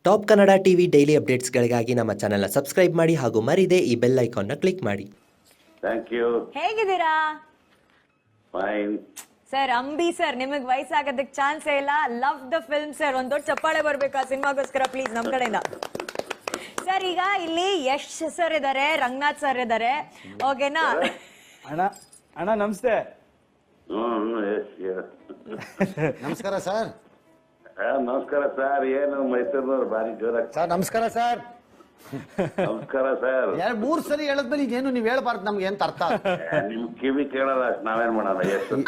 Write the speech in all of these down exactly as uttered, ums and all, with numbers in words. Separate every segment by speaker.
Speaker 1: Top Kannada TV daily ಅಪ್ಡೇಟ್ಸ್ಗಳಿಗಾಗಿ ನಮ್ಮ ಚಾನೆಲ್ನ ಸಬ್ಸ್ಕ್ರೈಬ್ ಮಾಡಿ ಹಾಗೂ ಮರಿದೇ ಈ ಬೆಲ್ ಐಕಾನ್ನ ಕ್ಲಿಕ್ ಮಾಡಿ.
Speaker 2: Thank you.
Speaker 3: ಹೇಗಿದ್ದೀರಾ?
Speaker 2: ಫೈನ್.
Speaker 3: ಸರ್, ಅಂಬಿ ಸರ್ ನಿಮಗೆ ವಯಸ್ಸಾಗೋದಕ್ಕೆ ಚಾನ್ಸೇ ಇಲ್ಲ. Love the film sir. ಒಂದ್ ದೊಡ್ಡ ಚಪ್ಪಾಳೆ ಬರ್ಬೇಕು ಆ ಸಿನಿಮಾಗೋಸ್ಕರ ಪ್ಲೀಸ್ ನಮ್ ಕಡೆಯಿಂದ. ಸರ್, ಈಗ ಇಲ್ಲಿ ಯಶ್ ಸರ್ ಇದಾರೆ, ರಂಗನಾಥ್ ಸರ್ ಇದಾರೆ, ಓಕೆನಾ?
Speaker 4: ಅಣ್ಣ ಅಣ್ಣ ನಮಸ್ತೆ.
Speaker 5: ನಮಸ್ಕಾರ ಸರ್.
Speaker 2: ನಮಸ್ಕಾರ ಸರ್. ಏನು ಮೈಸೂರಿನವ್ರು ಭಾರಿ ಜೋರ.
Speaker 5: ಸರ್ ನಮಸ್ಕಾರ ಸರ್.
Speaker 2: ನಮಸ್ಕಾರ ಸರ್.
Speaker 5: ಎರಡು ಮೂರ್ ಸರಿ ಹೇಳದ್ಮೇಲೆ ಈಗೇನು ನೀವ್ ಹೇಳ್ಬಾರ್ದು, ನಮ್ಗೆ ಎಂತ ಅರ್ಥ?
Speaker 2: ನಿಮ್ ಕಿವಿ ಕೇಳಲ್ಲ ಅಷ್ಟು ನಾವೇನ್ ಮಾಡೋಣ. ಎಷ್ಟು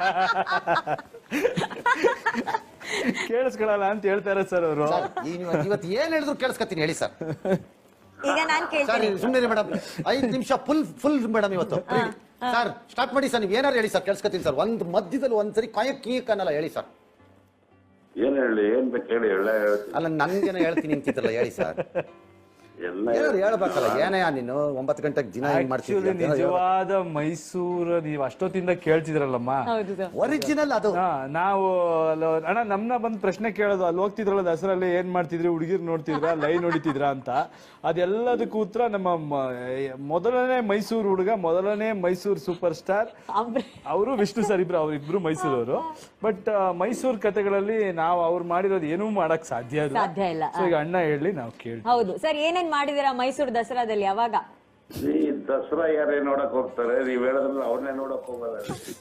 Speaker 4: ಕೇಳಿಸ್ಕೊಳಲ್ಲ ಅಂತ ಹೇಳ್ತಾರೆ ಸರ್ ಅವರು.
Speaker 5: ಇವತ್ತು ಏನ್ ಹೇಳಿದ್ರು ಕೇಳಿಸ್ಕೊತೀನಿ ಹೇಳಿ ಸರ್.
Speaker 3: ಈಗ ನಾನ್
Speaker 5: ಸರ್
Speaker 3: ಕೇಳ್ತೀನಿ.
Speaker 5: ಸುಮ್ಮನೆ ಮೇಡಮ್, ಐದು ನಿಮಿಷ ಫುಲ್ ಫುಲ್ ಮೇಡಮ್ ಇವತ್ತು. ಸರ್ ಸ್ಟಾರ್ಟ್ ಮಾಡಿ ಸರ್, ನೀವ್ ಏನಾರು ಹೇಳಿ ಸರ್, ಕೇಳಿಸ್ಕೊತೀನಿ ಸರ್. ಒಂದ್ ಮಧ್ಯದಲ್ಲಿ ಒಂದ್ಸರಿ ಕಾಯಕ್ ಕೀಕ್ ಅನ್ನಲ್ಲ, ಹೇಳಿ ಸರ್.
Speaker 2: ಏನ್ ಹೇಳಿ, ಏನ್ ಬೇಕು ಹೇಳಿ. ಎಲ್ಲ ಹೇಳ್ತೀನಿ.
Speaker 5: ಅಲ್ಲ ನನ್ಗೇನೋ ಹೇಳ್ತೀನಿ ಅಂತಿದ್ರಲ್ಲ, ಹೇಳಿ ಸರ್.
Speaker 2: ಎಲ್ಲ
Speaker 5: ಏನಾರು ಹೇಳ್ಬೇಕಲ್ಲ. ಏನಯ್ಯ ನೀನು ಒಂಬತ್ತು ಗಂಟೆಗೆ ದಿನ ಹೆಂಗ್ ಮಾಡ್ತೀವಿ?
Speaker 4: ನಿಜವಾದ ಮೈಸೂರು ನೀವು ಅಷ್ಟೊತ್ತಿಂದ ಕೇಳ್ತಿದ್ರಲ್ಲಮ್ಮ.
Speaker 3: ಹೌದು ಸರ್.
Speaker 5: ಒರಿಜಿನಲ್ ಅದು.
Speaker 4: ಹಾ, ನಾವು ಅಲ್ಲ- ಅಣ್ಣ ನಮ್ನ ಬಂದ್ ಪ್ರಶ್ನೆ ಕೇಳೋದು, ಅಲ್ಲಿ ಹೋಗ್ತಿದ್ರಲ್ಲ ದಸರಲ್ಲಿ ಏನ್ ಮಾಡ್ತಿದ್ರಿ, ಹುಡುಗಿರ್ ನೋಡ್ತಿದ್ರ, ಲೈನ್ ಹೊಡಿತಿದ್ರ ಅಂತ. ಅದೆಲ್ಲದಕ್ಕೂ ಉತ್ತರ ನಮ್ಮ ಮ- ಮೊದಲನೇ ಮೈಸೂರು ಹುಡುಗ, ಮೊದಲನೇ ಮೈಸೂರು ಸೂಪರ್ ಸ್ಟಾರ್ ಅವರು ವಿಷ್ಣು ಸರ್. ಇಬ್ರು ಅವ್ರಿಬ್ರು ಮೈಸೂರವರು. ಬಟ್ ಮೈಸೂರು ಕಥೆಗಳಲ್ಲಿ ನಾವು ಅವ್ರು ಮಾಡಿರೋದು ಏನೂ ಮಾಡಕ್ ಸಾಧ್ಯ ಇಲ್ಲ.
Speaker 3: ಸಾಧ್ಯ ಇಲ್ಲ.
Speaker 4: ಸೊ ಈಗ ಅಣ್ಣ ಹೇಳಿ ನಾವು ಕೇಳಿ.
Speaker 3: ಹೌದು ಸರ್, ಏನೇನ್ ಮಾಡಿದೀರಾ ಮೈಸೂರು ದಸರಾದಲ್ಲಿ? ಯಾವಾಗ?
Speaker 2: ಈ ದಸರಾ ಯಾರೇ ನೋಡಕ್ ಹೋಗ್ತಾರೆ, ನೀವ್ ಹೇಳಿದ್ರೆ ಅವ್ರನ್ನೇ ನೋಡಕ್ ಹೋಗಲ್ಲ.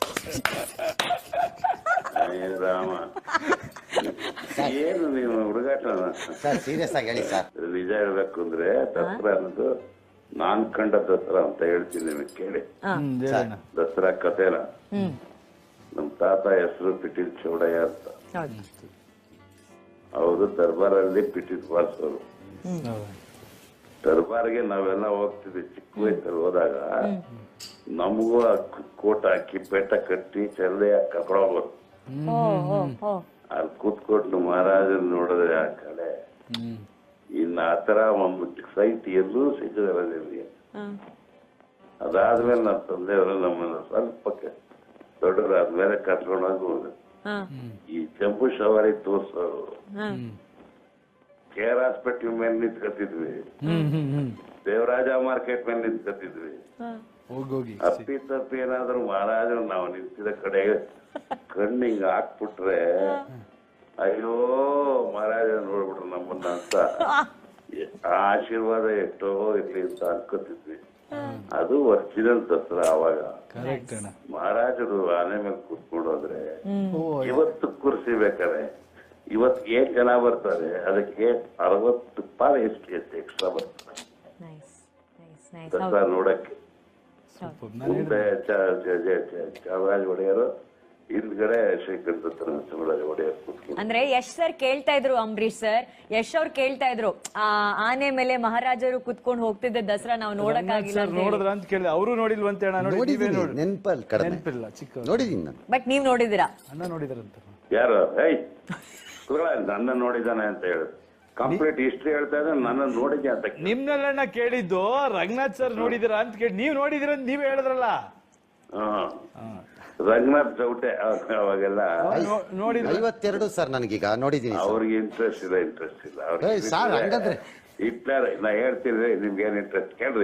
Speaker 2: ಏ ರಾಮ, ಏನು ನೀವು ಹುಡುಗಾಟನ?
Speaker 5: ಸರ್ ಸೀರಿಯಸ್ ಆಗಿ ಹೇಳಿ ಸರ್.
Speaker 2: ನಿಜ ಹೇಳ್ಬೇಕು ಅಂದ್ರೆ ದಸರಾ ಅನ್ನೋದು ನಾನ್ ಕಂಡ ದಸರಾ ಅಂತ ಹೇಳ್ತೀನಿ ನಿಮಗೆ, ಕೇಳಿ.
Speaker 4: ಹ್ಮ್, ಹೇಳಣ್ಣ.
Speaker 2: ದಸರಾ ಕಥೆನ
Speaker 3: ಹ್ಮ್.
Speaker 2: ನಮ್ ತಾತ ಹೆಸರು ಪಿಟೀಲ್ ಚೌಡಯ್ಯ ಅಂತ.
Speaker 3: ಹೌದು.
Speaker 2: ಅವರು ದರ್ಬಾರಲ್ಲಿ ಪಿಟೀಲ್ ಬಾರಿಸೋರು.
Speaker 4: ಹೌದು.
Speaker 2: ದರ್ಬಾರ್ಗೆ ನಾವೆಲ್ಲ ಹೋಗ್ತಿದ್ವಿ ಚಿಕ್ಕ ವಯಸ್ಸಲ್ಲಿ. ಹೋದಾಗ ನಮಗೂ ಆ ಕೋಟ ಹಾಕಿ ಪೇಟ ಕಟ್ಟಿ ಚಲ್ಲೆ ಕಪಡ ಹೋಗೋರು.
Speaker 3: ಓ, ಓ, ಓ.
Speaker 2: ಅಲ್ಲಿ ಕೂತ್ಕೊಂಡು ಮಹಾರಾಜನ್ ನೋಡಿದ್ರೆ ಆ ಕಡೆ ಇನ್ನ ಆತರ ಒಂದು ಸೈಟ್ ಎಲ್ಲೂ ಸಿಗದಿಲ್ಲ ನಿಮಗೆ.
Speaker 3: ಹ್ಮ್.
Speaker 2: ಅದಾದ್ಮೇಲೆ ನಮ್ಮ ತಂದೆಯವರು ನಮ್ಮನ್ನ ಸ್ವಲ್ಪ ದೊಡ್ಡದಾದ್ಮೇಲೆ ಕರ್ಕೊಂಡೋಗಿ
Speaker 3: ಹ್ಮ್.
Speaker 2: ಈ ಜಂಬೂ ಸವಾರಿ ತೋರ್ಸೋರು.
Speaker 3: ಹ್ಮ್.
Speaker 2: ಕೆ ಆರ್ ಹಾಸ್ಪಿಟಲ್ ಮೇಲೆ ನಿಂತ್ಕತ್ತಿದ್ವಿ,
Speaker 4: ಹ್ಮ್ ಹ್ಮ್ ಹ್ಮ್
Speaker 2: ದೇವರಾಜ ಮಾರ್ಕೆಟ್ ಮೇಲೆ ನಿಂತ್ಕತ್ತಿದ್ವಿ.
Speaker 3: ಹ್ಮ್.
Speaker 4: ಹೋಗೋಗಿ
Speaker 2: ಅಪ್ಪಿ ತಪ್ಪಿ ಏನಾದ್ರು ಮಹಾರಾಜರು ನಾವು ನಿಂತಿದ ಕಡೆ ಕಣ್ಣಿಂಗ್ ಹಾಕ್ಬಿಟ್ರೆ ಅಯ್ಯೋ ಮಹಾರಾಜ ನೋಡ್ಬಿಟ್ರು ನಮ್ಮನ್ನ ಅಂತ ಆ ಆಶೀರ್ವಾದ ಎಷ್ಟೋ ಇರ್ಲಿ ಅಂತ ಅನ್ಕೋತಿದ್ವಿ. ಅದು ಒರಿಜಿನಲ್ ದಸರಾ. ಅವಾಗ
Speaker 4: ಕರೆಕ್ಟ್ ಅಣ್ಣ.
Speaker 2: ಮಹಾರಾಜರು ಆನೆ ಮೇಲೆ ಕೂತ್ಕೊಂಡು ಹೋದ್ರೆ
Speaker 4: ಓ,
Speaker 2: ಇವತ್ತು ಕುರ್ಸಿ ಬೇಕಾರೆ ಇವತ್ತು ಏನ್ ಜನ ಬರ್ತಾರೆ, ಅದಕ್ಕೆ ಅರವತ್ತು ಪಾಲು ಎಷ್ಟು ಎಷ್ಟು ಎಕ್ಸ್ಟ್ರಾ ಬರ್ತಾರೆ
Speaker 3: ನೈಸ್, ನೈಸ್, ನೈಸ್.
Speaker 2: ದಸರಾ ನೋಡಕ್ಕೆ.
Speaker 4: ಸೂಪರ್. ನಾನು
Speaker 2: ಮುಂದೆ ಚಾಮರಾಜ ಒಡೆಯರು, ಹಿಂದ್ಗಡೆ ಶ್ರೀಕಂಠ ನರಸಿಂಹರಾಜ ಒಡೆಯರ್ ಕೂತ್ಕೊಂಡು.
Speaker 3: ಅಂದ್ರೆ ಯಶ್ ಸರ್ ಕೇಳ್ತಾ ಇದ್ರು, ಅಂಬರೀಶ್ ಸರ್, ಯಶ್ ಅವ್ರು ಕೇಳ್ತಾ ಇದ್ರು, ಆ ಆನೆ ಮೇಲೆ ಮಹಾರಾಜರು ಕುತ್ಕೊಂಡು ಹೋಗ್ತಿದ್ದ ದಸರಾ ನಾವು ನೋಡಕ್ಕಾಗಿಲ್ಲ
Speaker 4: ಸರ್ ನೋಡಿದ್ರ ಅಂತ ಕೇಳಿದೆ. ಅವರು ನೋಡಿಲ್ವಂತೆ ಅಣ್ಣ. ನೋಡಿ, ನೀವೇ
Speaker 5: ನೋಡಿದೀನಿ,
Speaker 4: ನೋಡಿ.
Speaker 5: ನೆನಪಲ್ಲಿ ಕಡಿಮೆ
Speaker 4: ನೆನಪಿಲ್ಲ, ಚಿಕ್ಕ
Speaker 5: ನೋಡಿದೀನಿ ನಾನು.
Speaker 3: ಬಟ್ ನೀವ್ ನೋಡಿದಿರಾ?
Speaker 4: ಅಣ್ಣ ನೋಡಿದ್ರಂತ.
Speaker 2: ಯಾರು ಏಯ್ ನನ್ನ ನೋಡಿದಾನೆ ಅಂತ ಹೇಳುದು. ಕಂಪ್ಲೀಟ್ ಹಿಸ್ಟ್ರಿ ಹೇಳ್ತಾ ಇದ್ರೆ ನನ್ನ ನೋಡಿದ್ದೆ ಅಂತ.
Speaker 4: ನಿಮ್ನೆಲ್ಲಣ್ಣ ಕೇಳಿದ್ದು ರಂಗನಾಥ್ ಸರ್ ನೋಡಿದಿರಾ ಅಂತ ಕೇಳಿ, ನೀವ್ ನೋಡಿದಿರ ಅಂತ ನೀವೇ ಹೇಳಿದ್ರಲ್ಲ.
Speaker 2: ಹ್ಮ್, ರಂಗನಾಥ್ ಚೌಟೆ ಅವಾಗೆಲ್ಲ
Speaker 4: ನೋಡಿದ್ರ?
Speaker 5: ಐವತ್ತೆರಡು ಸರ್ ನನಗೀಗ ನೋಡಿದೀನಿ ಸರ್.
Speaker 2: ಅವ್ರಿಗೆ ಇಂಟ್ರೆಸ್ಟ್ ಇಲ್ಲ, ಇಂಟ್ರೆಸ್ಟ್ ಇಲ್ಲ
Speaker 5: ಏಯ್ ಸಾರ್, ಹಂಗಂದ್ರೆ
Speaker 2: ಹಿಟ್ಲರ್. ನಾ ಹೇಳ್ತೀನಿ ನಿಮ್ಗೆ ಏನ್ ಇಂಟ್ರೆಸ್ಟ್ ಕೇಳ್ರಿ.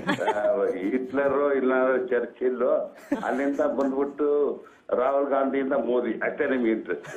Speaker 2: ಹಿಟ್ಲರು ಇಲ್ಲಾಂದ್ರೆ ಚರ್ಚಿಲ್, ಅಲ್ಲಿಂದ ಬಂದ್ಬಿಟ್ಟು ರಾಹುಲ್ ಗಾಂಧಿಯಿಂದ ಮೋದಿ, ಅಷ್ಟೇ ನಿಮ್ಗೆ ಇಂಟ್ರೆಸ್ಟ್.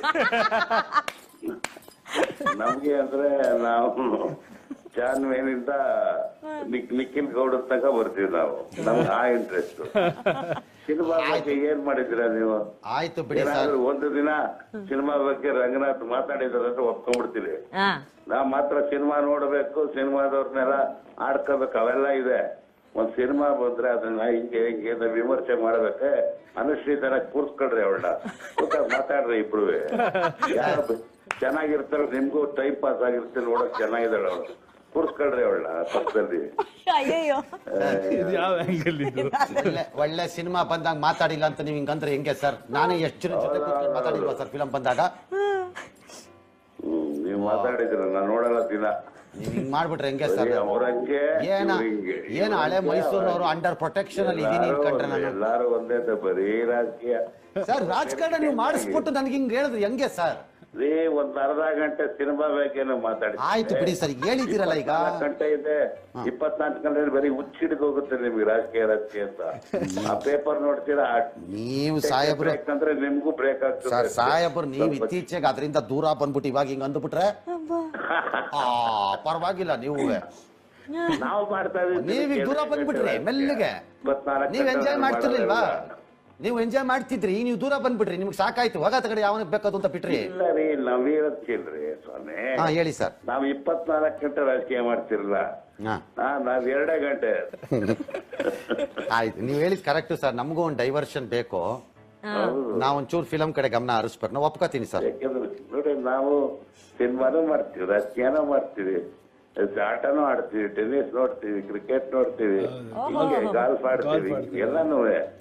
Speaker 2: ನಮ್ಗೆ ಅಂದ್ರೆ ನಾವು ಜಾನ್ವೇನಿಂದ ನಿಖಿಲ್ ಗೌಡ ತನಕ ಬರ್ತೀವಿ ನಾವು. ನಮ್ಗೆ ಆ ಇಂಟ್ರೆಸ್ಟ್. ಸಿನಿಮಾ ಬಗ್ಗೆ ಏನ್ ಮಾಡಿದ್ದೀರಾ ನೀವು?
Speaker 5: ಆಯ್ತು ಬಿಡಿ ಸರ್.
Speaker 2: ಏನಾದ್ರು ಒಂದು ದಿನ ಸಿನಿಮಾ ಬಗ್ಗೆ ರಂಗನಾಥ್ ಮಾತಾಡಿದಾರೆ ಅಂತ ಒಪ್ಕೊಂಡ್ಬಿಡ್ತೀವಿ.
Speaker 3: ಹಾ.
Speaker 2: ನಾವ್ ಮಾತ್ರ ಸಿನಿಮಾ ನೋಡ್ಬೇಕು, ಸಿನಿಮಾದವ್ರನ್ನೆಲ್ಲ ಆಡ್ಕೋಬೇಕು, ಅವೆಲ್ಲ ಇದೆ. ಒಂದ್ ಸಿನಿಮಾ ಬಂದ್ರೆ ಅದನ್ನ ಹಿಂಗೆ ಹಿಂಗೆ ವಿಮರ್ಶೆ ಮಾಡ್ಬೇಕೆ. ಅನುಶ್ರೀ ತರ ಕೂರ್ಸ್ಕೊಳ್ರಿ ಅವಳನ್ನ, ಕೂತಾಗ ಮಾತಾಡ್ರಿ ಇಬ್ರು. ಚೆನ್ನಾಗಿರ್ತಾರೆ, ನಿಮ್ಗೂ ಟೈಮ್ ಪಾಸ್ ಆಗಿರುತ್ತೆ, ನೋಡಕ್ ಚೆನ್ನಾಗಿದ್ದಾಳೆ ಅವಳು, ಕೂರ್ಸ್ಕೊಳ್ರಿ ಅವಳನ್ನ ಪಕ್ಕದಲ್ಲಿ.
Speaker 3: ಅಯ್ಯಯ್ಯೋ,
Speaker 4: ಯಾವ ಆಂಗಲ್ ಇದು?
Speaker 5: ಒಳ್ಳೆ ಒಳ್ಳೆ ಸಿನಿಮಾ ಬಂದಾಗ ಮಾತಾಡಿಲ್ಲ ಅಂತ ನೀವ್ ಹಿಂಗಂದ್ರೆ ಹೆಂಗೆ ಸರ್? ನಾನೇ ಎಷ್ಟು ಜನ ಜೊತೆ ಕೂತ್ಕೊಂಡು ಮಾತಾಡಿಲ್ವಾ ಸರ್ ಫಿಲಂ ಬಂದಾಗ?
Speaker 2: ಹ್ಮ್, ನೀವ್ ಮಾತಾಡಿದ್ರ ನಾ ನೋಡಲ್ಲ ದಿನ.
Speaker 5: ನೀವ್ ಹಿಂಗ್ ಮಾಡ್ಬಿಟ್ರೆ ಹೆಂಗೆ ಸರ್?
Speaker 2: ಅವ್ರಂಗೆ
Speaker 5: ಏನ ಏನ ಹಳೆ ಮೈಸೂರಿನವರು ಅಂಡರ್ ಪ್ರೊಟೆಕ್ಷನ್ ಅಲ್ಲಿ ಇದೀನಿ ಅನ್ಕೊಂಡ್ರೆ ನಾನು.
Speaker 2: ಎಲ್ಲಾರು ಒಂದೇ ಬರೀ ರಾಜಕೀಯ
Speaker 5: ಸರ್ ರಾಜಕಾರಣ ನೀವು ಮಾಡಿಸ್ಬಿಟ್ಟು ನನ್ಗೆ ಹಿಂಗ್ ಹೇಳಿದ್ರೆ ಹೆಂಗೆ ಸರ್?
Speaker 2: ರೀ ಒಂದ್ ಅರ್ಧ ಗಂಟೆ ಸಿನಿಮಾ ಬೇಕೇನೋ ಮಾತಾಡಿ.
Speaker 5: ಆಯ್ತು ಬಿಡಿ ಸರ್, ಹೇಳಿದ್ದೀರಲ್ಲ ಈಗ.
Speaker 2: ಗಂಟೆ ಇದೆ, ಇಪ್ಪತ್ನಾಲ್ಕು ಗಂಟೆ ಬರೀ ಹುಚ್ಚಿಡಿದು ಹೋಗುತ್ತೆ ನಿಮ್ಗೆ ರಾಜಕೀಯ ರಾಜಕೀಯ ಅಂತ. ಆ ಪೇಪರ್ ನೋಡ್ತೀರಾ,
Speaker 5: ನೀವು ಸಾಹೇಬ್ರು
Speaker 2: ಯಾಕಂದ್ರೆ ನಿಮ್ಗೂ ಬ್ರೇಕ್ ಆಗ್ತದೆ.
Speaker 5: ಸರ್ ಸಾಹೇಬ್ರು ನೀವು ಇತ್ತೀಚೆಗೆ ಅದರಿಂದ ದೂರ ಬಂದ್ಬಿಟ್ಟು ಇವಾಗ ಹಿಂಗ್ ಅಂದ್ಬಿಟ್ರೆ ಆ ಪರವಾಗಿಲ್ಲ. ನೀವು
Speaker 2: ನಾವು ಮಾಡ್ತಾ ಇದೀವಿ,
Speaker 5: ನೀವೀಗ ದೂರ ಬಂದ್ಬಿಟ್ರಿ ಮೆಲ್ಲಿಗೆ. ನೀವ್ ಎಂಜಾಯ್ ಮಾಡ್ತಿರ್ಲಿಲ್ವಾ? ನೀವು ಎಂಜಾಯ್ ಮಾಡ್ತಿದ್ರಿ, ನೀವು ದೂರ ಬಂದ್ಬಿಟ್ರಿ, ನಿಮ್ಗೆ ಸಾಕಾಯ್ತು, ಹೋಗ ತಗಡೆ ಯಾವನಿಗೆ ಬೇಕಾದ್ರು ಅಂತ ಬಿಟ್ರಿ.
Speaker 2: ಇಲ್ಲ ರೀ, ನಾವ್ ಹೇಳದ್ ಕೇಳ್ರಿ ಸ್ವಾಮಿ.
Speaker 5: ಹಾ ಹೇಳಿ ಸರ್.
Speaker 2: ನಾವ್ ಇಪ್ಪತ್ನಾಲ್ಕು ಗಂಟೆ ರಾಜಕೀಯ ಮಾಡ್ತಿರಲ್ಲ,
Speaker 5: ಹಾ
Speaker 2: ನಾವ್ ಎರಡೇ ಗಂಟೆ.
Speaker 5: ಆಯ್ತು, ನೀವ್ ಹೇಳಿದ್ ಕರೆಕ್ಟ್ ಸರ್. ನಮಗೂ ಒಂದು ಡೈವರ್ಷನ್ ಬೇಕು, ನಾವ್ ಒಂಚೂರು ಫಿಲಂ ಕಡೆ ಗಮನ ಹರಿಸ್ಬೇಕು. ನಾವು ಒಪ್ಕೋತೀನಿ ಸರ್.
Speaker 2: ಯಾಕಂದ್ರೆ ನೋಡಿ, ನಾವು ಸಿನಿಮಾನು ಮಾಡ್ತೀವಿ, ರಾಜಕೀಯನೂ ಮಾಡ್ತೀವಿ, ಆಟನೂ ಆಡ್ತೀವಿ, ಟೆನ್ನಿಸ್ ನೋಡ್ತೀವಿ, ಕ್ರಿಕೆಟ್ ನೋಡ್ತೀವಿ, ಹೀಗೆ ಗಾಲ್ಫ್ ಆಡ್ತೀವಿ, ಎಲ್ಲಾನು.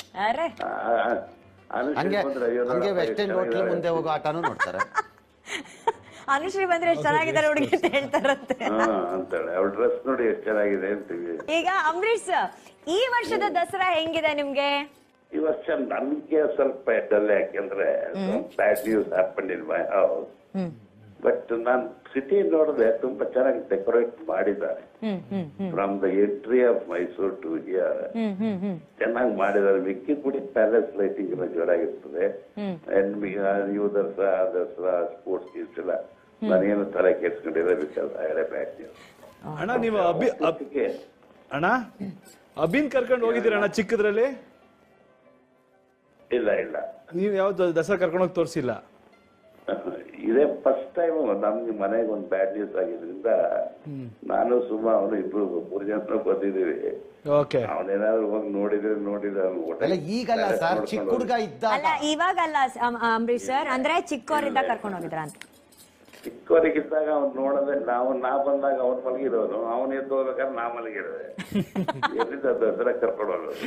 Speaker 5: ಹಂಗೆ ಹಂಗೆ ವೆಸ್ಟ್ ಎಂಡ್ ಹೋಟ್ಲ್ ಮುಂದೆ ಹೋಗೋ ಆಟನೂ ನೋಡ್ತಾರೆ.
Speaker 3: ಅನುಶ್ರೀ ಬಂದ್ರೆ ಎಷ್ಟು ಚೆನ್ನಾಗಿದ್ದಾರೆ ಹುಡುಗಿ ಅಂತ ಹೇಳ್ತಾರಂತೆ.
Speaker 2: ಅಂತಾಳೆ, ಅವ್ಳ ಡ್ರೆಸ್ ನೋಡಿ ಎಷ್ಟು ಚೆನ್ನಾಗಿದೆ ಅಂತೀವಿ.
Speaker 3: ಈಗ ಅಂಬರೀಶ್, ಈ ವರ್ಷದ ದಸರಾ ಹೆಂಗಿದೆ ನಿಮ್ಗೆ?
Speaker 2: ಈ ವರ್ಷ ನನ್ಗೆ ಸ್ವಲ್ಪ ಡಲ್, ಯಾಕೆಂದ್ರೆ bad news happen in my house. But ನಾನ್ ಸಿಟಿ ನೋಡಿದ್ರೆ ತುಂಬಾ ಚೆನ್ನಾಗಿ ಡೆಕೋರೇಟ್ ಮಾಡಿದ್ದಾರೆ. From the entry of Mysuru to here ಚೆನ್ನಾಗಿ ಮಾಡಿದ್ದಾರೆ. ಮಿಕ್ಕಿ ಕುಡಿ ಪ್ಯಾಲೇಸ್ ಲೈಟಿಂಗ್ ಎಲ್ಲ ಜೋರಾಗಿರ್ತದೆ. ಇವು ದಸರಾ ದಸರಾ ಸ್ಪೋರ್ಟ್ಸ್ ಗೀಸ್ ಎಲ್ಲ ನಾನೇನು ತಲೆ ಕೆಡ್ಸ್ಕೊಂಡಿರೋ because I had a bad news.
Speaker 4: ಅಣ್ಣ ನೀವು ಅಭಿ ಅಣ್ಣ ಅಭಿನ್ ಕರ್ಕೊಂಡು ಹೋಗಿದ್ದೀರ ಅಣ್ಣ ಚಿಕ್ಕದ್ರಲ್ಲಿ?
Speaker 2: ಇಲ್ಲ ಇಲ್ಲ,
Speaker 4: ನೀವು ಯಾವ್ದು ದಸರಾ ಕರ್ಕೊಂಡೋಗಿ ತೋರಿಸಿಲ್ಲ?
Speaker 2: ಇದೇ ಫಸ್ಟ್ ಟೈಮ್ ನಮ್ಗೆ ಮನೆಗೆ ಒಂದು ಬ್ಯಾಡ್ ನ್ಯೂಸ್ ಆಗಿದ್ರಿಂದ ನಾನು ಸುಮಾ ಅವನು ಇಬ್ರು ಮೂರು ಜನ ಬಂದಿದ್ದೀವಿ. ಅವನೇನಾದ್ರು ಹೋಗಿ ನೋಡಿದ್ರೆ ನೋಡಿದ್ರೆ
Speaker 5: ಈಗಲ್ಲ ಸರ್, ಚಿಕ್ಕ ಹುಡುಗ ಇದ್ದ.
Speaker 3: ಅಲ್ಲ ಇವಾಗಲ್ಲ ಅಂಬರೀಶ್ ಸರ್, ಅಂದ್ರೆ ಚಿಕ್ಕವರಿಂದ ಕರ್ಕೊಂಡು ಹೋಗಿದ್ರ ಅಂತ.
Speaker 2: ಚಿಕ್ಕವರಿಗಿದ್ದಾಗ ಅವ್ನು ನೋಡೋದೇ, ನಾವು ನಾ ಬಂದಾಗ ಅವ್ನು ಮಲಗಿರೋನು, ಅವನು ಎದ್ದು ಹೋಗ್ಬೇಕಾದ್ರೆ ನಾ ಮಲಗಿರೋದೆ. ಎಲ್ಲಿಂದ ದಸರಾ ಕರ್ಕೊಂಡು ಹೋಗೋದು?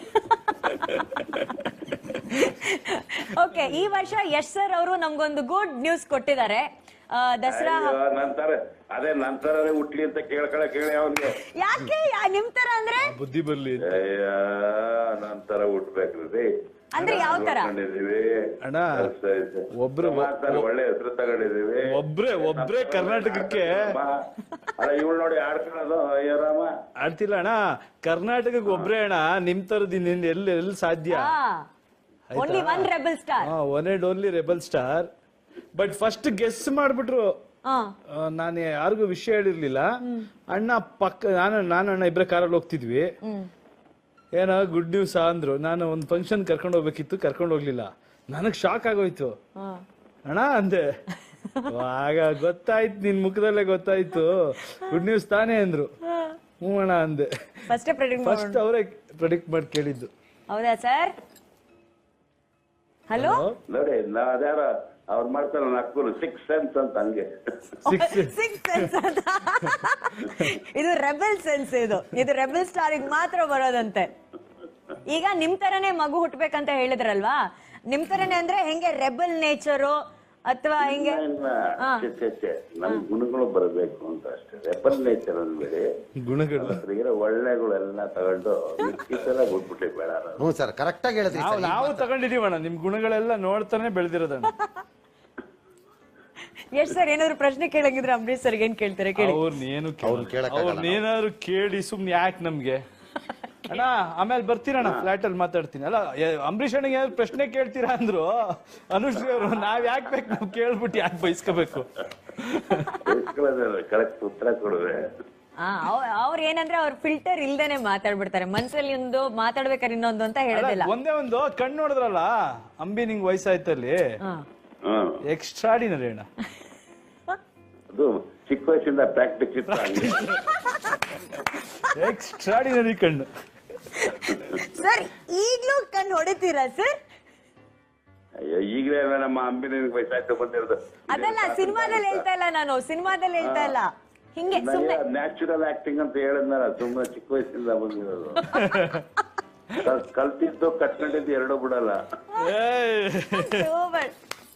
Speaker 3: ಓಕೆ, ಈ ವರ್ಷ ಯಶ್ ಸರ್ ಅವರು ನಮ್ಗೊಂದು ಗುಡ್ ನ್ಯೂಸ್ ಕೊಟ್ಟಿದ್ದಾರೆ. ದಸರಾ
Speaker 2: ನಂತರ ಅದೇ ನಂತರನೇ ಹುಟ್ಲಿ ಅಂತ ಕೇಳ್ಕೊಳ ಕೇಳಿ ಅವ್ನಿಗೆ.
Speaker 3: ಯಾಕೆ ನಿಮ್ ತರ ಅಂದ್ರೆ
Speaker 4: ಬುದ್ಧಿ ಬರ್ಲಿ
Speaker 2: ನಂತರ ಹುಟ್ಬೇಕ್ರಿ
Speaker 3: ಅಂದ್ರೆ ಯಾವ ತರ?
Speaker 4: ಅಣ್ಣ ಒಬ್ರು
Speaker 2: ಒಳ್ಳೆ ಹೆಸರು ತಗೊಂಡಿದೀವಿ.
Speaker 4: ಒಬ್ರೇ ಒಬ್ರೇ ಕರ್ನಾಟಕಕ್ಕೆ.
Speaker 2: ಅಲ್ಲ ಇವಳು ನೋಡಿ ಆಡ್ಕೊಳ್ಳೋದು, ಅಯ್ಯೋ ರಾಮ
Speaker 4: ಆಡ್ತಿಲ್ಲ ಅಣ್ಣ. ಕರ್ನಾಟಕಕ್ಕೆ ಒಬ್ರೇ ಅಣ್ಣ ನಿಮ್ ತರದ್ ಎಲ್ಲಿ ಎಲ್ಲಿ ಸಾಧ್ಯ?
Speaker 3: Only one rebel star.
Speaker 4: One and only rebel star. But first guess ಮಾಡ್ಬಿಟ್ರು. ನಾನು ಯಾರಿಗೂ ವಿಷಯ ಹೇಳಿರ್ಲಿಲ್ಲ. ಅಣ್ಣ ಪಕ್ಕ ನಾನು ನಾನು ಅಣ್ಣ ಇಬ್ರೆ ಕಾರಲ್ಲಿ ಹೋಗ್ತಿದ್ವಿ. ಏನೋ ಗುಡ್ ನ್ಯೂಸ್ ಅಂದ್ರು. ನಾನು ಒಂದ್ ಫಂಕ್ಷನ್ ಕರ್ಕೊಂಡು ಹೋಗ್ಬೇಕಿತ್ತು, ಕರ್ಕೊಂಡು ಹೋಗ್ಲಿಲ್ಲ. ನನಗ್ ಶಾಕ್ ಆಗೋಯ್ತು. ಅಣ್ಣ ಅಂದೆ, ಆಗ ಗೊತ್ತಾಯ್ತು, ನಿನ್ ಮುಖದಲ್ಲೇ ಗೊತ್ತಾಯ್ತು ಗುಡ್ ನ್ಯೂಸ್ ತಾನೇ ಅಂದ್ರು. ಹ್ಞೂ ಅಣ್ಣ ಅಂದೆ. ಫಸ್ಟ್ ಅವರೇ ಪ್ರೆಡಿಕ್ಟ್ ಮಾಡಿ ಕೇಳಿದ್ದು.
Speaker 3: ಹೌದಾ ಸರ್? ಹಲೋ
Speaker 2: ನೋಡಿ, ನಾ ಅದ್ಯಾರ ಅವ್ರು ಮಾಡ್ತಾರ ನಕ್ಕೂರು ಸಿಕ್ಸ್ ಸೆನ್ಸ್ ಅಂತ, ಹಂಗೆ
Speaker 3: ಸಿಕ್ಸ್ ಸೆನ್ಸ್ ಅಂತ. ಇದು ರೆಬೆಲ್ ಸೆನ್ಸ್. ಇದು ಇದು ರೆಬೆಲ್ ಸ್ಟಾರ್ ಮಾತ್ರ ಬರೋದಂತೆ. ಈಗ ನಿಮ್ ತರನೇ ಮಗು ಹುಟ್ಬೇಕಂತ ಹೇಳಿದ್ರಲ್ವಾ? ನಿಮ್ ತರನೇ ಅಂದ್ರೆ ಹೆಂಗೆ ರೆಬೆಲ್ ನೇಚರು ಅಥವಾ ಹಿಂಗೆ?
Speaker 2: ನಮ್ ಗುಣಗಳು ಬರಬೇಕು ಅಂತ ಅಷ್ಟೇ. ರೆಬಲ್ ನೇಚರ್ ಅಂದ್ಬೇಡಿ, ಗುಣಗಳು ಒಳ್ಳೆಗಳೆಲ್ಲ ತಗೊಂಡು ಮಿಕ್ಕಿಸೆಲ್ಲ ಬಿಟ್ಬಿಟ್ಟಿ ಬೇಡ.
Speaker 5: ಹ್ಞೂ ಸರ್, ಕರೆಕ್ಟ್ ಆಗಿ ಹೇಳಿದ್ರಿ.
Speaker 4: ನಾವು ತಗೊಂಡಿದೀವಣ್ಣ, ನಿಮ್ ಗುಣಗಳೆಲ್ಲ ನೋಡ್ತಾನೆ ಬೆಳೆದಿರೋದಣ್ಣ.
Speaker 3: ಎಷ್ಟ್ ಸರ್ ಏನಾದ್ರು ಪ್ರಶ್ನೆ ಕೇಳಂಗಿದ್ರೆ ಅಂಬರೀಶ್ ಸರ್ ಏನ್ ಕೇಳ್ತಾರೆ ಕೇಳಿ.
Speaker 4: ಅವ್ರನ್ನೇನು ಅವ್ರನ್ನೇನಾದ್ರು ಕೇಳಿ ಸುಮ್ನೆ ಯಾಕೆ ನಮ್ಗೆ ಅಣ್ಣ? ಆಮೇಲೆ ಬರ್ತೀರಣ್ಣ, ಫ್ಲಾಟ್ ಅಲ್ಲಿ ಮಾತಾಡ್ತೀನಿ. ಅಲ್ಲ ಅಂಬರೀಶ್ ಅಣ್ಣಗೆ ಏನಾದ್ರು ಪ್ರಶ್ನೆ ಕೇಳ್ತೀರಾ ಅಂದ್ರು ಅನುಶ್ರೀ ಅವರು. ನಾವ್ ಯಾಕೆ ಬೇಕು, ನಾವ್ ಕೇಳ್ಬಿಟ್ಟು ಯಾಕೆ ಬಯಸ್ಕೋಬೇಕು?
Speaker 2: ಕರೆಕ್ಟ್ ಉತ್ತರ ಕೊಡುವೆ.
Speaker 3: ಅವ್ರ ಏನಂದ್ರೆ ಅವ್ರ ಫಿಲ್ಟರ್ ಇಲ್ದೇನೆ ಮಾತಾಡ್ಬಿಡ್ತಾರೆ. ಮನ್ಸಲ್ಲಿ ಒಂದು ಮಾತಾಡ್ಬೇಕಾದ್ರೆ ಇನ್ನೊಂದು ಅಂತ ಹೇಳೋದಿಲ್ಲ.
Speaker 4: ಒಂದೇ ಒಂದು ಕಣ್ಣು ನೋಡಿದ್ರಲ್ಲ ಅಂಬಿ, ನಿಂಗ್ ವಯಸ್ಸಾಯ್ತಲ್ಲಿ ಎಕ್ಸ್ಟ್ರಾಡಿನರಿ ಅಣ್ಣ.
Speaker 2: ಅದು ಚಿಕ್ಕ ವಯಸ್ಸಿಂದ ಪ್ರಾಕ್ಟಿಸ್ ಇತ್ತು.
Speaker 4: ಎಕ್ಸ್ಟ್ರಾಡಿನರಿ ಕಣ್ಣು
Speaker 3: ಸರ್. ಈಗ್ಲೂ ಕಣ್ಣು ಹೊಡಿತೀರಾ ಸರ್?
Speaker 2: ಅಯ್ಯೋ, ಈಗಲೇ ನಮ್ಮ ಅಂಬಿನ ವಯಸ್ಸಾಯ್ತು ಬಂದಿರೋದು.
Speaker 3: ಅದಲ್ಲ, ಸಿನಿಮಾದಲ್ಲಿ ಹೇಳ್ತಾ ಇಲ್ಲ ನಾನು, ಸಿನಿಮಾದಲ್ಲಿ ಹೇಳ್ತಾ ಇಲ್ಲ. ಹಿಂಗೆ
Speaker 2: ನ್ಯಾಚುರಲ್ ಆಕ್ಟಿಂಗ್ ಅಂತ ಹೇಳಿದ್ನಲ್ಲ, ಸುಮ್ಮನೆ ಚಿಕ್ಕ ವಯಸ್ಸಿಂದ ಬಂದಿರೋದು. ಕಲ್ತಿದ್ದು ಕಟ್ಕೊಂಡಿದ್ದು ಎರಡೂ ಬಿಡಲ್ಲ.
Speaker 3: Super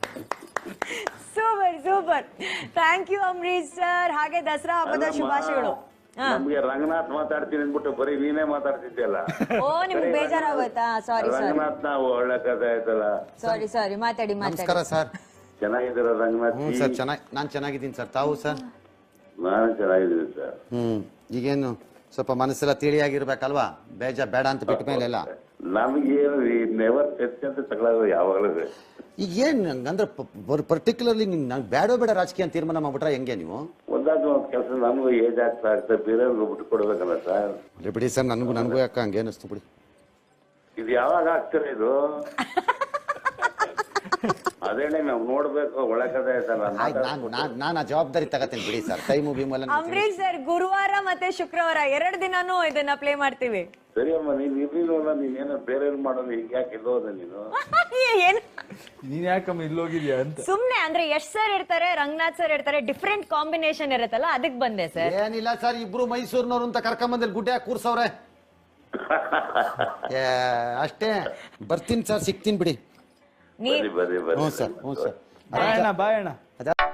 Speaker 3: super super. Thank you Ambareesh sir. ಹಾಗೆ ದಸರಾ ಹಬ್ಬದ ಶುಭಾಶಯಗಳು.
Speaker 2: ನಮ್ಗೆ ರಂಗನಾಥ್ ಮಾತಾಡ್ತೀನಿ ಅಂದ್ಬಿಟ್ಟು ಬರೀ ನೀನೇ ಮಾತಾಡ್ತಿದ್ಯಲ್ಲ.
Speaker 3: ಓ, ನಿಮ್ಗೆ ಬೇಜಾರಾಗೋಯ್ತಾ? ಸಾರಿ ಸಾರಿ.
Speaker 2: ರಂಗನಾಥ್ ನಾವು ಒಳ್ಳೆ ಕಥೆ ಆಯ್ತಲ್ಲ.
Speaker 3: ಸಾರಿ ಸಾರಿ, ಮಾತಾಡಿ ಮಾತಾಡಿ.
Speaker 5: ನಮಸ್ಕಾರ ಸರ್.
Speaker 2: ಚೆನ್ನಾಗಿದ್ದೀರ ರಂಗನಾಥ್
Speaker 5: ಹ್ಞೂ ಸರ್ ಚೆನ್ನಾಗಿ ನಾನು ಚೆನ್ನಾಗಿದ್ದೀನಿ ಸರ್ ತಾವು ಸರ್
Speaker 2: ನಾನು ಚೆನ್ನಾಗಿದ್ದೀನಿ ಸರ್.
Speaker 5: ಹ್ಮ್ ಈಗೇನು ಸ್ವಲ್ಪ ಮನಸ್ಸೆಲ್ಲ ತಿಳಿಯಾಗಿರ್ಬೇಕಲ್ವಾ ಬೇಜ ಬೇಡ ಅಂತ ಬಿಟ್ಟ ಮೇಲೆ ಎಲ್ಲ
Speaker 2: ನಮಗೇನು ನೆವರ್ ಚರ್ಚೆ ಅಂತ ತಗೊಳ್ಳೋದು ಯಾವಾಗಲೂ
Speaker 5: ಈಗ ಏನ್ ಅಂದ್ರೆ ಪರ್ಟಿಕ್ಯುಲರ್ಲಿ ನಂಗೆ ಬೇಡ ಬೇಡ ರಾಜಕೀಯ ಅಂತ ತೀರ್ಮಾನ ಮಾಡ್ಬಿಟ್ರೆ ಹೆಂಗೆ ನೀವು
Speaker 2: ಒಂದಾದ ಒಂದು ಕೆಲಸ ನಮಗೂ ಏಜ್ ಆಗ್ತಾ ಆಗ್ತಾ ಬೇರೆಯವ್ರಿಗೆ ಬಿಟ್ಟು ಕೊಡ್ಬೇಕಲ್ಲ ಸರ್.
Speaker 5: ಅಲ್ಲಿ ಬಿಡಿ ಸರ್ ನನಗೂ ನನಗೂ ಯಾಕೆ ಹಂಗೆ ಅನಿಸ್ತು ಬಿಡಿ.
Speaker 2: ಇದು ಯಾವಾಗ ಆಗ್ತಾರೆ ಇದು ಅದೇನೆ ನಾವು ನೋಡ್ಬೇಕು ಒಳಗಡೆ ಆಯ್ತಲ್ಲ
Speaker 5: ಆಯ್ತು ನಾನು ನಾನು ನಾನು ಆ ಜವಾಬ್ದಾರಿ ತಗತೀನಿ ಬಿಡಿ ಸರ್ ಟೈಮು ಗೀಮು
Speaker 3: ಅಂಬರೀಶ್ ಸರ್ ಗುರುವಾರ ಮತ್ತೆ ಶುಕ್ರವಾರ ಎರಡು ದಿನಾನು ಇದನ್ನ ಪ್ಲೇ ಮಾಡ್ತೀವಿ.
Speaker 2: ಸರಿ ಅಮ್ಮ ನೀನ್ ಇರ್ಲಿಲ್ಲ ನೀನೇನೋ ಬೇರೆ ಮಾಡೋದು ಈಗ ಯಾಕೆ ಇಲ್ಲೋದ ನೀನು
Speaker 3: ಏನ್
Speaker 4: ನೀನ್ ಯಾಕಮ್ಮ ಇಲ್ಲೋಗಿದ್ಯಾ ಅಂತ
Speaker 3: ಸುಮ್ನೆ ಅಂದ್ರೆ ಯಶ್ ಸರ್ ಇರ್ತಾರೆ ರಂಗನಾಥ್ ಸರ್ ಇರ್ತಾರೆ ಡಿಫ್ರೆಂಟ್ ಕಾಂಬಿನೇಷನ್ ಇರುತ್ತಲ್ಲ ಅದಕ್ ಬಂದೆ ಸರ್.
Speaker 5: ಏನಿಲ್ಲ ಸರ್ ಇಬ್ರು ಮೈಸೂರಿನವ್ರು ಅಂತ ಕರ್ಕೊಂಬಂದಲ್ಲಿ ಗುಡ್ಡೆ ಹಾಕಿ ಕೂರ್ಸವ್ರೆ ಅಷ್ಟೇ ಬರ್ತೀನಿ ಸರ್ ಸಿಗ್ತೀನಿ ಬಿಡಿ.
Speaker 3: ನೀ
Speaker 2: ಬರಿ ಬರಿ
Speaker 5: ಹ್ಞೂ
Speaker 2: ಬರಿ
Speaker 5: ಸರ್ ಹ್ಞೂ ಸರ್
Speaker 4: ಬಾಯಣ್ಣ ಬಾಯಣ್ಣ
Speaker 5: ಅದ